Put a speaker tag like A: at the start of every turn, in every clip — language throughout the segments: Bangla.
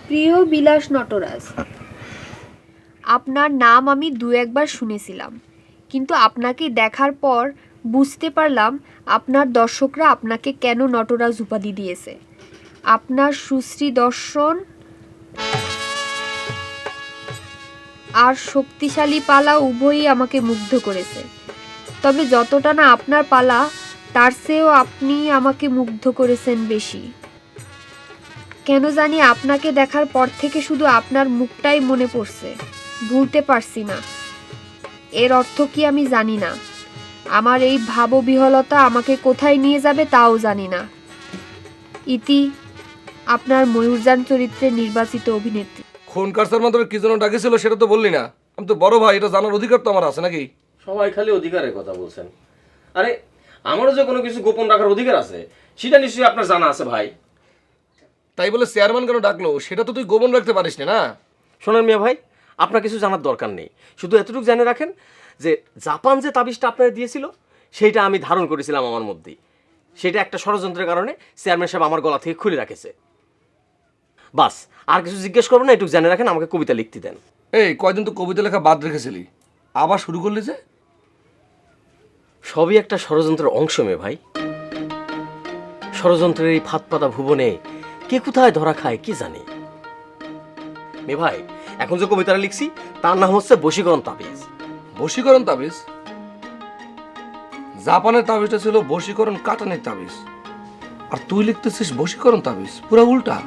A: প্রিয় বিলাস নটরাজ, আপনার নাম আমি দু একবার শুনেছিলাম, কিন্তু আপনাকে দেখার পর বুঝতে পারলাম আপনার দর্শকরা আপনাকে কেন নটরাজ উপাধি দিয়েছে। আপনার সুশ্রী দর্শন আর শক্তিশালী পালা উভয়ই আমাকে মুগ্ধ করেছে। তবে যতটা না আপনার পালা, তার চেয়েও আপনি আমাকে মুগ্ধ করেছেন বেশি। কেন জানি আপনাকে দেখার পর থেকে শুধু আপনার মুখটাই মনে পড়ছে, ভুলতে পারছি না। এর অর্থ কি আমি জানি না। আমার এই ভাববিহ্বলতা আমাকে কোথায় নিয়ে যাবে তাও জানি না। ইতি, আপনার ময়ূরযান চরিত্রে নির্বাচিত অভিনেত্রী।
B: খুন কারসার মাধ্যমে কি জন্য ডাকেছিল সেটা তো বললি না। আমি তো বড় ভাই, এটা জানার অধিকার তো আমার আছে নাকি?
C: সবাই খালি অধিকারের কথা বলছেন। আরে আমারও যে কোনো কিছু গোপন রাখার অধিকার আছে, সেটা নিশ্চয়ই আপনার জানা আছে ভাই।
B: তাই বলে চেয়ারম্যান কেন ডাকলো সেটা তো তুই গোপন রাখতে পারিস না।
C: শোনেন মিয়া ভাই, আপনার কিছু জানার দরকার নেই। শুধু এতটুকু জেনে রাখেন যে জাপান যে তাবিজটা আপনারা দিয়েছিল সেইটা আমি ধারণ করেছিলাম আমার মধ্যেই। সেটা একটা ষড়যন্ত্রের কারণে চেয়ারম্যান সাহেব আমার গলা থেকে খুলে রাখেছে। বাস, আর কিছু জিজ্ঞেস করবেন না, একটু জেনে রাখেন, আমাকে কবিতা লিখতে দেন।
B: এই কয়দিন তো কবিতা লেখা বাদ রেখেছিলি, আবার শুরু করলি যে?
C: সবই একটা ষড়যন্ত্রের অংশ মে ভাই। ষড়যন্ত্রের এই ফাঁদ পাতা ভুবনে কে কোথায় ধরা খায় কি জানি। মে ভাই, এখন যে কবিতাটা লিখছি তার নাম হচ্ছে বশীকরণ তাবিজ।
B: বশীকরণ তাবিজ? জাপানের তাবিজটা ছিল বশীকরণ কাটানির তাবিজ, আর তুই লিখতেছিস বশীকরণ তাবিজ, পুরো উল্টা।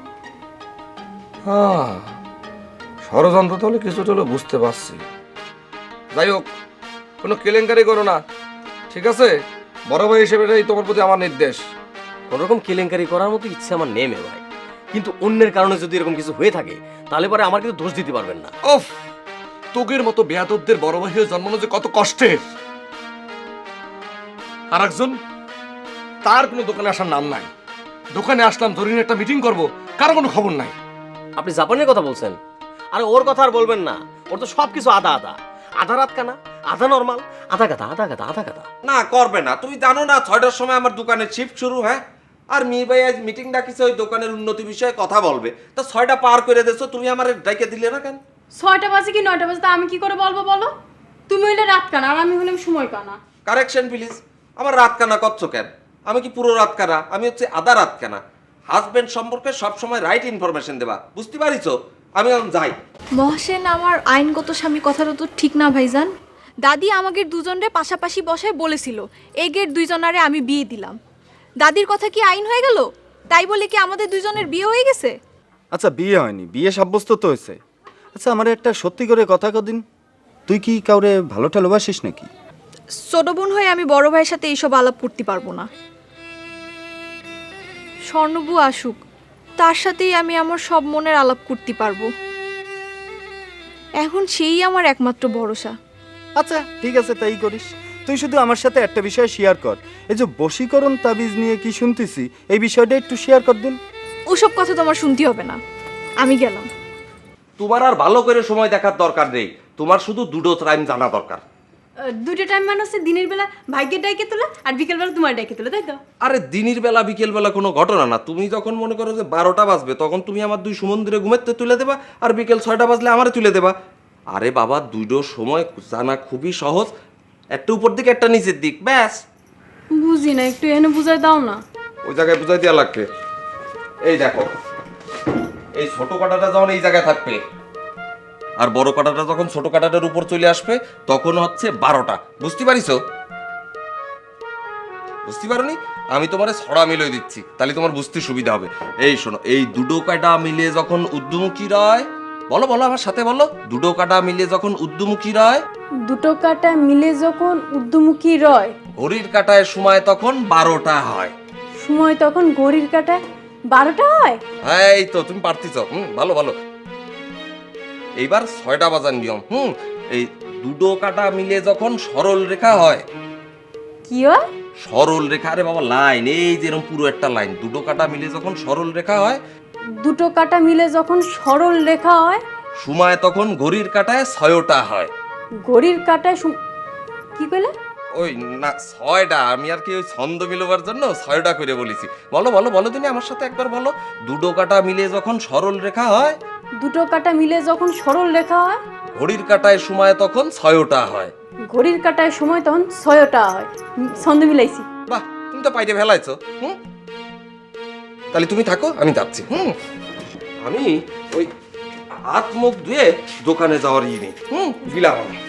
B: হ্যাঁ, ষড়যন্ত্র তাহলে কিছুটা হলে বুঝতে পারছি। যাই হোক, কোনো কেলেঙ্কারি করো না, ঠিক আছে? বড় ভাই হিসেবে এটাই তোমার প্রতি আমার নির্দেশ।
C: কোনোরকম কেলেঙ্কারি করার মতো ইচ্ছে আমার নেই মে ভাই, কিন্তু অন্যের কারণে যদি এরকম কিছু হয়ে থাকে তাহলে পরে আমার কিন্তু দোষ দিতে পারবেন না।
B: ওফ, তোগের মতো বেয়াদবদের বড় ভাই হয়ে জন্মানো যে কত কষ্টের। আর একজন, তার কোনো দোকানে আসার নাম নাই। দোকানে আসলাম ধরে নিয়ে একটা মিটিং করবো, কারো কোনো খবর নাই।
C: আপনি জাপানের কথা বলছেন? আরে ওর কথা আর বলবেন না, ওর তো সবকিছু আধা আধা, আধা রাত কানা, আধা নর্মাল, আধা গাদা আধা গাদা আধা গাদা।
D: না করবে না, তুমি জানো না 6টার সময় আমার দোকানের শিফট শুরু। হ্যাঁ, আর মীর ভাই আজ মিটিং ডাকিছে ওই দোকানের উন্নতি বিষয়ে কথা বলবে। তা 6টা পার করে দিয়েছো, তুমি আমার ডাইকে দিলে না কেন?
E: 6টা বাজে কি 9টা বাজে তা আমি কি করে বলবো বলো? তুমি হইলে রাত কানা আর আমি হইলাম সময় কানা।
D: Correction please. আমার রাত কানা করছো কেন? আমি কি পুরো রাত কানা? আমি হচ্ছে আধা রাত কানা। হাজবেন্ড সম্পর্কে সবসময় রাইট ইনফরমেশন দেবা, বুঝতে পারিছো? আমি এখন যাই।
E: মহসেন আমার আইনগত স্বামী কথাটা তো ঠিক না ভাইজান। দাদি আমাদের দুজনরে পাশাপাশি বসায় বলেছিল এগের দুইজনারে আমি বিয়ে দিলাম। দাদির কথা কি আইন হয়ে গেল? তাই বলে কি আমাদের দুইজনের বিয়ে হয়ে গেছে?
F: আচ্ছা, বিয়ে হয়নি, বিয়ে সাব্যস্ত তো হয়েছে। আচ্ছা, আমার একটা সত্যি করে কথা কদিন, তুই কি কাউরে ভালো ঠালোবাসিস নাকি?
E: ছোট বোন হয়ে আমি বড় ভাইয়ের সাথে এইসব আলাপ করতে পারবো না। স্বর্ণবু আসুক, তার সাথেই আমি আমার সব মনের আলাপ করতে পারবো। এখন সেই আমার একমাত্র ভরসা।
F: আচ্ছা ঠিক আছে, তাই করিস। তুই শুধু আমার সাথে একটা বিষয় শেয়ার কর। এই যে বশীকরণ তাবিজ নিয়ে কি শুনতেছি, এই বিষয়টা একটু শেয়ার কর দিন।
E: ওসব কথা তোমার শুনতে হবে না, আমি গেলাম।
D: তোমার আর ভালো করে সময় দেখার দরকার নেই, তোমার শুধু দুটো টাইম জানা দরকার।
E: দুটো টাইম মানে হচ্ছে দিনের বেলা ভাগ্যের ডাইকে তোলা আর বিকেল বেলা তোমার ডাইকে তোলা, তাই তো?
D: আরে দিনের বেলা বিকেল বেলা কোনো ঘটনা না। তুমি যখন মনে করো যে 12টা বাজবে তখন তুমি আমার দুই সুমন্দিরে ঘুমেতে তুলে দেবা, আর বিকেল 6টা বাজলে আমারে তুলে দেবা। আরে বাবা, দুটো সময় জানা খুবই সহজ, একটা উপর দিক একটা নিচের দিক, ব্যাস।
E: বুঝি না, একটু এনে বুঝাই দাও না।
D: ওই জায়গায় বুঝাই দেওয়া লাগবে। এই দেখো, এই ছোট কাঁটাটা যখন এই জায়গায় থাকবে আর বড় কাঁটাটা যখন ছোট কাঁটাটার উপর চলে আসবে তখন হচ্ছে 12টা। বুঝতে পারিছো? বুঝতে পারোনি? আমি তোমার ছড়া মিলিয়ে দিচ্ছি, তাহলে তোমার বুঝতে সুবিধা হবে। এই শোনো, এই দুটো কাঁটা মিলিয়ে যখন ঊর্ধ্বমুখী রয়, বলো বলো আমার সাথে বলো, দুটো কাঁটা মিলিয়ে যখন ঊর্ধ্বমুখী রয়,
E: দুটো কাঁটা মিলে যখন ঊর্ধ্বমুখী রয়,
D: ঘড়ির কাঁটায় সময় তখন 12টা হয়।
E: সময় তখন ঘড়ির কাঁটায় 12টা হয়।
D: এই তো তুমি পারতিছ। ভালো ভালো। এইবার 6টা বাজার নিয়ম। এই দুটো কাঁটা মিলে যখন সরল রেখা হয়।
E: কি হয়?
D: সরল রেখা, আরে বাবা লাইন, এই যেরকম পুরো একটা লাইন, দুটো কাঁটা মিলে যখন সরল রেখা হয়,
E: দুটো কাঁটা মিলে যখন সরল রেখা হয়,
D: সময় তখন ঘড়ির কাঁটায় 6টা হয়।
E: ঘড়ির কাঁটায় কি কইলে?
D: ওই না 6টা, আমি আর কি ওই ছন্দ মিলবার জন্য 6টা করে বলেছি। বলো বলো বলো তুমি আমার সাথে একবার বলো। দুটো কাটা মিলে যখন সরল রেখা হয়,
G: দুটো কাটা মিলে যখন সরল রেখা হয়,
D: ঘড়ির কাটায় সময় তখন 6টা হয়।
G: ঘড়ির কাটায় সময় তখন 6টা হয়। ছন্দ মিলাইছি।
D: বাহ, তুমি তো পাইতে ফেলাইছো। তাহলে তুমি থাকো, আমি যাচ্ছি। আমি ওই হাত মুখ ধুয়ে দোকানে যাওয়ার নেই। গিলাম আমি।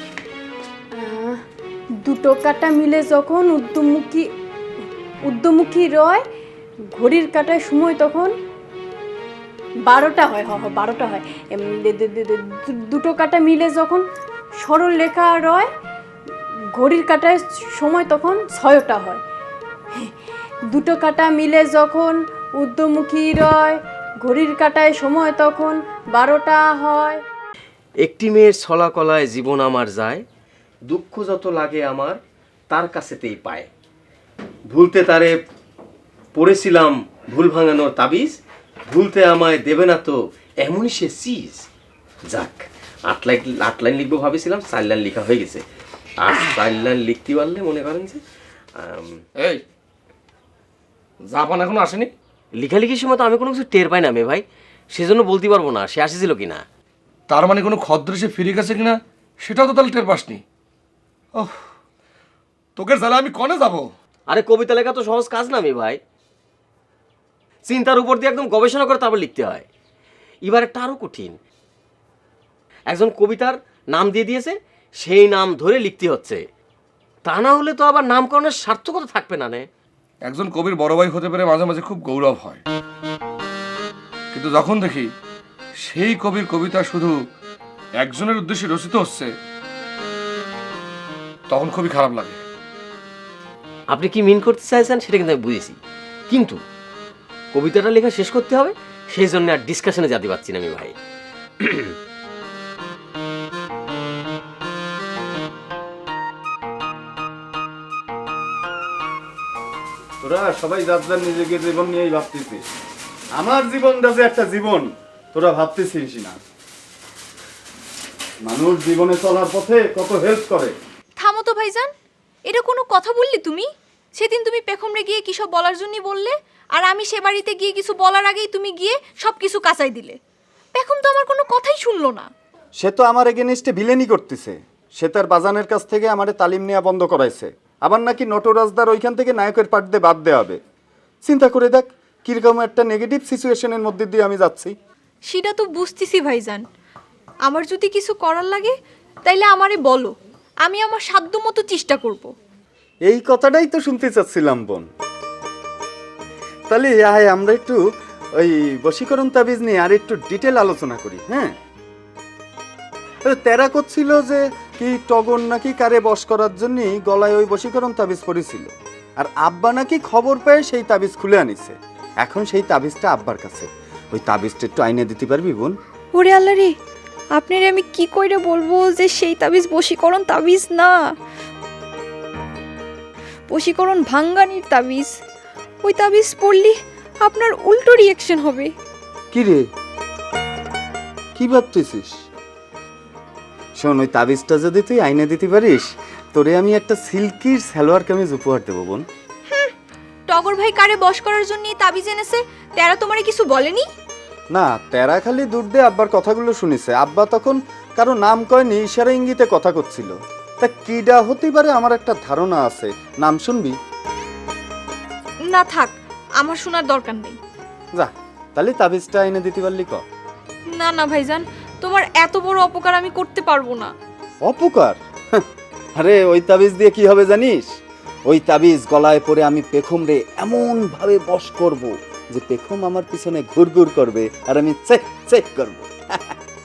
G: দুটো কাটা মিলে যখন উদ্যমুখী রয়, ঘড়ির কাটায় সময় তখন 12টা হয়। 12টা হয়। দুটো কাটা মিলে যখন সরল রেখা রয়, ঘড়ির কাটায় সময় তখন 6টা হয়। দুটো কাটা মিলে যখন ঊর্ধ্বমুখী রয়, ঘড়ির কাটায় সময় তখন 12টা হয়।
C: একটি মেয়ের ছলা কলায় জীবন আমার যায়, দুঃখ যত লাগে আমার তার কাছেতেই পায়। ভুলতে তারে পড়েছিলাম ভুল ভাঙানোর তাবিজ, ভুলতে আমায় দেবে না তো এমনই সে চিজ। যাক, 8 লাইন লিখবো ভাবেছিলাম, 4 লাইন লেখা হয়ে গেছে। আর 4 লাইন লিখতে পারলে মনে করেন যে
B: এই জাপান এখনো আসেনি?
C: লেখালেখির সময় তো আমি কোনো কিছু টের পাই না মে ভাই, সেজন্য বলতে পারবো না সে আসেছিল কিনা।
B: তার মানে কোনো খদ্র সে ফিরে গেছে কিনা সেটাও তো তাহলে টের পাসনি। ওহ, তোকে জ্বালা আমি কনে যাব?
C: আরে কবিতা লেখা তো সহজ কাজ না মে ভাই, চিন্তার উপর দিয়ে একদম গবেষণা করে তারপর লিখতে হয়। এবার একটা আরো কঠিন, একজন কবিতার নাম দিয়ে দিয়েছে, সেই নাম ধরে লিখতে হচ্ছে, তা না হলে তো আবার নামকরণের সার্থকতা থাকবে না। নে
B: একজন কবির বড় ভাই হতে পেরে মাঝে মাঝে খুব গৌরব হয়, কিন্তু যখন দেখি সেই কবির কবিতা শুধু একজনের উদ্দেশ্যে রচিত হচ্ছে তখন খুবই খারাপ লাগে।
C: আপনি কি মিন করতে চাইছেন সেটা কিন্তু আমি বুঝেছি, কিন্তু কবিতাটা লেখা শেষ করতে হবে, সেই জন্য আর ডিসকাশনে যেতে পারছি না আমি ভাই।
F: তোরা সবাই যার যার নিজেকে জীবন নিয়েই ভাবতেছিস। আমার জীবনটা যে একটা জীবন তোরা ভাবতেছিস না। মানুষ জীবনে চলার পথে কত হেল্প করে।
E: থামো তো ভাইজান, এটা কোনো কথা বললি তুমি? সেদিন তুমি পেখমরে গিয়ে কি সব বলার জন্যই বললে, আর আমি সে বাড়িতে গিয়ে কিছু বলার আগেই তুমি গিয়ে সব কিছু কাঁচাই দিলে। পেখম তো আমার কোনো কথাই শুনলো না।
F: সে তো আমার এগেনিস্টে ভিলেনি করতেছে। সে তার বাজানের কাছ থেকে আমারে তালিম নেওয়া বন্ধ করাইছে। আবার নাকি নটরাজদার ওইখান থেকে নায়কের পার্ট দিয়ে বাদ দেওয়া হবে। চিন্তা করে দেখ কিরকম একটা নেগেটিভ সিচুয়েশনের মধ্যে দিয়ে আমি যাচ্ছি।
E: সেটা তো বুঝতেছি ভাইজান, আমার যদি কিছু করার লাগে তাইলে আমারে বলো, আমি আমার সাধ্য মতো চেষ্টা করব।
F: এই কথাটাই তো শুনতে চাচ্ছিলাম বোন। তাহলে আয় আমরা একটু ওই বশীকরণ তাবিজ নিয়ে আর একটু ডিটেল আলোচনা করি। হ্যাঁ, তেরা করছিল যে কি টগর নাকি কারে বশ করার জন্য গলায় ওই বশীকরণ তাবিজ পড়েছিল, আর আব্বা নাকি খবর পেয়ে সেই তাবিজ খুলে আনিছে। এখন সেই তাবিজটা আব্বার কাছে। ওই তাবিজটা একটু আইনে দিতে পারবি বোন?
E: ওরে আল্লাহ রে, আপনারে আমি কি কইরে বলবো যে সেই তাবিজ বশীকরণ তাবিজ না, বশীকরণ ভাঙ্গানির তাবিজ। ওই তাবিজ পড়লি আপনার উল্টো রিয়াকশন হবে।
F: কি রে, কি ভাবতেছিস? শোন, ওই তাবিজটা যদি তুই আইনে দিতে পারিস, তোরে আমি একটা সিল্কির সালোয়ার কামিজ উপহার দেবো বোন।
E: টগর ভাই কারে বশ করার জন্য তাবিজ এনেছে, তারা তোমারে কিছু বলেনি?
F: না, তেরা খালি দূর দিয়ে আব্বার কথাগুলো শুনেছে। আব্বা তখন কারো নাম কয়নি, ইশারা ইঙ্গিতে কথা করছিল। তা কিডা হতে পারে আমার একটা ধারণা আছে। নাম শুনবি?
E: না থাক, আমার শোনার দরকার নেই।
F: যা, তাহলে তাবিজটা আইনে দিতে পারলি ক।
E: না না ভাইজান, তোমার এত বড় অপকার আমি করতে পারবো না।
F: অপকার? আরে ওই তাবিজ দিয়ে কি হবে জানিস? ওই তাবিজ গলায় পরে আমি পেখম রে এমন ভাবে বশ করব যে পেখম আমার পিছনে ঘুরঘুর করবে আর আমি চেক চেক করব।